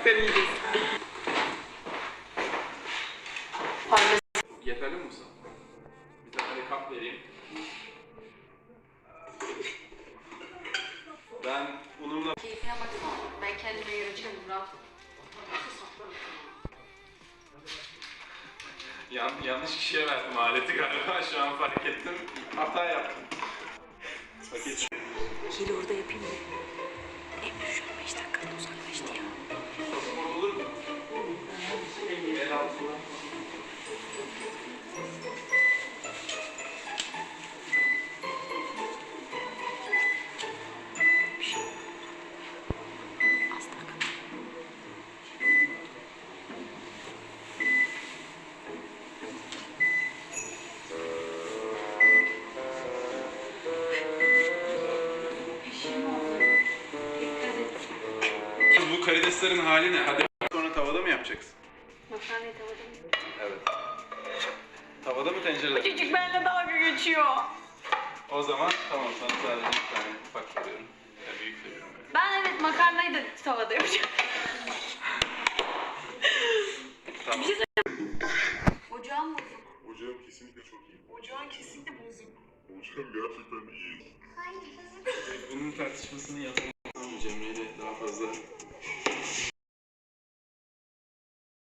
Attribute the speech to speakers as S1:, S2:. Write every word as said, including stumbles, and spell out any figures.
S1: gerçekten iyiyiz.
S2: Yeterli mi Musa? Bir tane de kap vereyim. Ben unumla...
S1: Keyfine baksana. Ben kendime yarayacağım Murat.
S2: Yan, yanlış kişiye verdim aleti galiba. Şu an fark ettim. Hata yaptım. Paket.
S1: Hile orada yapayım mı? Emre şu an beş dakikada uzaklaştı ya.
S2: Pasaport olur mu? El altına. Bu karideslerin hali ne? Hadi sonra tavada mı yapacaksın?
S1: Makarnayı tavada mı?
S2: Evet. Tavada mı tencerede?
S1: Çocuk benimle dalga geçiyor.
S2: O zaman tamam, sana sadece bir tane ufak veriyorum. Ya büyük veriyorum. Yani.
S1: Ben evet makarnayı da tavada yapacağım.
S2: Tamam.
S1: Ocağım bozuk.
S3: Ocağım kesinlikle çok iyi.
S1: Ocağın kesinlikle bozuk.
S3: Ocağım gerçekten iyi.
S2: Bunun tartışmasını yapalım. Cemre'yle daha fazla